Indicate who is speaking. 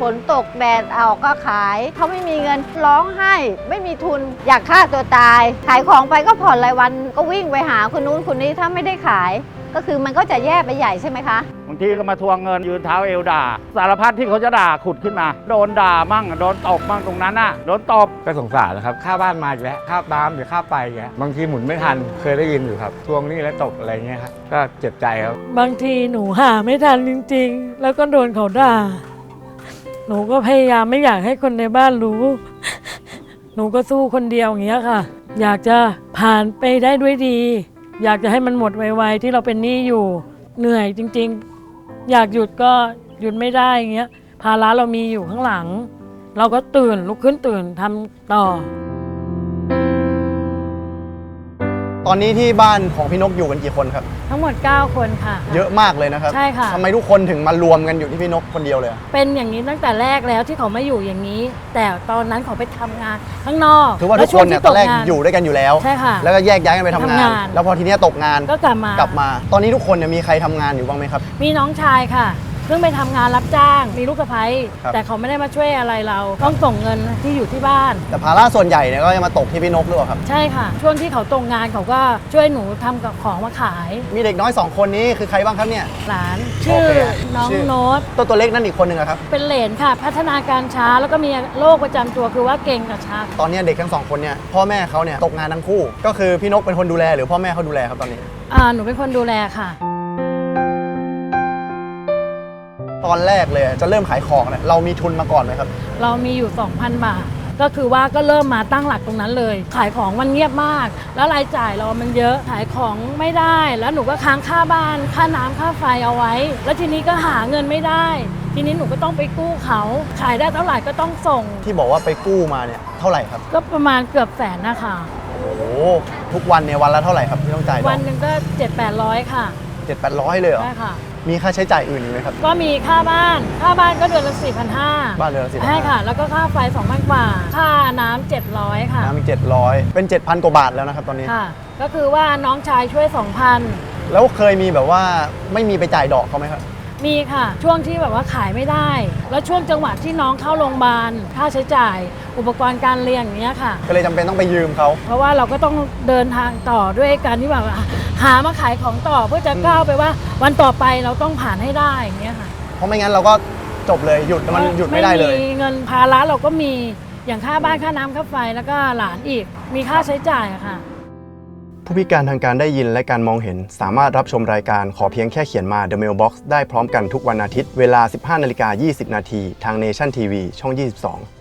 Speaker 1: นตกแดดเอาก็ขายเขาไม่มีเงินร้องไห้ไม่มีทุนอยากฆ่าตัวตายขายของไปก็ผ่อนรายวันก็วิ่งไปหาคนนู้นคนนี้ถ้าไม่ได้ขายก็คือมันก็จะแย่ไปใหญ่ใช่ไหมคะ
Speaker 2: บางทีก็มาทวงเงินยืนเท้าเอวด่าสารพัดที่เขาจะด่าขุดขึ้นมาโดนด่ามั่งโดนตบมั่งตรงนั้นน่ะโดนตบ
Speaker 3: ก็สงสารนะครับค่าบ้านมาอีกแล้วค่าน้ำหรือค่าไฟอีกแล้วบางทีหมุนไม่ทันเคยได้ยินอยู่ครับทวงหนี้แล้วตกอะไรเงี้ยครับก็เจ็บใจครับ
Speaker 4: บางทีหนูหาไม่ทันจริงๆแล้วก็โดนเขาด่าหนูก็พยายามไม่อยากให้คนในบ้านรู้หนูก็สู้คนเดียวอย่างเงี้ยค่ะอยากจะผ่านไปได้ด้วยดีอยากจะให้มันหมดไวๆที่เราเป็นหนี้อยู่เหนื่อยจริงๆอยากหยุดก็หยุดไม่ได้อย่างเงี้ยภาระเรามีอยู่ข้างหลังเราก็ตื่นลุกขึ้นตื่นทำต่อ
Speaker 5: ตอนนี้ที่บ้านของพี่นกอยู่กันกี่คนครับ
Speaker 4: ทั้งหมด9คนค่ะ
Speaker 5: เยอะมากเลยนะครับ
Speaker 4: ใช่ค่ะ
Speaker 5: ทำไมทุกคนถึงมารวมกันอยู่ที่พี่นกคนเดียวเลย
Speaker 4: เป็นอย่างนี้ตั้งแต่แรกแล้วที่เขาไม่อยู่อย่างนี้แต่ตอนนั้นเขาไปทำงานข้างนอก
Speaker 5: ถือว่าทุกคนเนี่ยตอนแรกอยู่ด้วยกันอยู่แล้ว
Speaker 4: ใช่ค่ะ
Speaker 5: แล้วก็แยกย้ายกันไปทำงานแล้วพอทีนี้ตกงาน
Speaker 4: ก็กลับมา
Speaker 5: ตอนนี้ทุกคนเนี่ยมีใครทำงานอยู่บ้างไหมครับ
Speaker 4: มีน้องชายค่ะเพิ่งไปทำงานรับจ้างมีลูกสะใภ้แต่เขาไม่ได้มาช่วยอะไรเราต้องส่งเงินที่อยู่ที่บ้าน
Speaker 5: แต่ภาระส่วนใหญ่เนี่ยก็จะมาตกที่พี่นกหรือเปล่าครับ
Speaker 4: ใช่ค่ะช่วงที่เขาตกงานเขาก็ช่วยหนูทำกับของมาขาย
Speaker 5: มีเด็กน้อย2คนนี้คือใครบ้างครับเนี่ย
Speaker 4: หลานชื่อน้องโน้ต
Speaker 5: ตัวเล็กนั่นอีกคนหนึ่งครับ
Speaker 4: เป็นเหลนค่ะพัฒนาการช้าแล้วก็มีโรคประจำตัวคือว่าเก่งกับช้า
Speaker 5: ตอนนี้เด็กทั้ง2คนเนี่ยพ่อแม่เขาเนี่ยตกงานทั้งคู่ก็คือพี่นกเป็นคนดูแลหรือพ่อแม่เขาดูแลครับตอนนี้
Speaker 4: หนูเป็นคนดูแลค่ะ
Speaker 5: ตอนแรกเลยจะเริ่มขายของเนี่ยเรามีทุนมาก่อนไหมครับ
Speaker 4: เรามีอยู่ 2,000 บาทก็คือว่าก็เริ่มมาตั้งหลักตรงนั้นเลยขายของมันเงียบมากแล้วรายจ่ายเรามันเยอะขายของไม่ได้แล้วหนูก็ค้างค่าบ้านค่าน้ำค่าไฟเอาไว้แล้วทีนี้ก็หาเงินไม่ได้ทีนี้หนูก็ต้องไปกู้เขาขายได้เท่าไหร่ก็ต้องส่ง
Speaker 5: ที่บอกว่าไปกู้มาเนี่ยเท่าไหร่ครับ
Speaker 4: ก็ประมาณเกือบแสนนะคะ
Speaker 5: โอ้โหทุกวันเนี่ยวันละเท่าไหร่ครับที่ต้องจ่าย
Speaker 4: วันหนึ่งก็700-800ค่ะ
Speaker 5: 700-800เลยเหรอ
Speaker 4: ใช่ค่ะ
Speaker 5: มีค่าใช้จ่ายอื่นอีกไหมครับ
Speaker 4: ก็มีค่าบ้านก็เดือนละ4,500
Speaker 5: บ้านเดือนละ4,500
Speaker 4: ใช่ค่ะแล้วก็ค่าไฟ 2,000 กว่าค่าน้ำ700ค่ะ
Speaker 5: น้ำมี700เป็น 7,000 กว่าบาทแล้วนะครับตอนนี้
Speaker 4: ค่ะก็คือว่าน้องชายช่วย 2,000
Speaker 5: แล้วเคยมีแบบว่าไม่มีไปจ่ายดอกเขาไหมครับ
Speaker 4: มีค่ะช่วงที่แบบว่าขายไม่ได้แล้วช่วงจังหวะที่น้องเข้าโรงพยาบาลค่าใช้จ่ายอุปกรณ์การเรียนอย่างเงี้ยค่ะ
Speaker 5: ก็เลยจำเป็นต้องไปยืมเขา
Speaker 4: เพราะว่าเราก็ต้องเดินทางต่อด้วยการที่แบบหามาขายของต่อเพื่อจะก้าวไปว่าวันต่อไปเราต้องผ่านให้ได้อย่างเงี้ยค่ะ
Speaker 5: เพราะไม่งั้นเราก็จบเลยหยุดมันหยุดไม่ได้เลย
Speaker 4: ไม่มีเงินภาระเราก็มีอย่างค่าบ้านค่าน้ำค่าไฟแล้วก็หลานอีกมีค่าใช้จ่ายอะค่ะ
Speaker 5: ผู้พิการทางการได้ยินและการมองเห็นสามารถรับชมรายการขอเพียงแค่เขียนมา The Mailbox ได้พร้อมกันทุกวันอาทิตย์เวลา 15:20 น.ทาง Nation TV ช่อง 22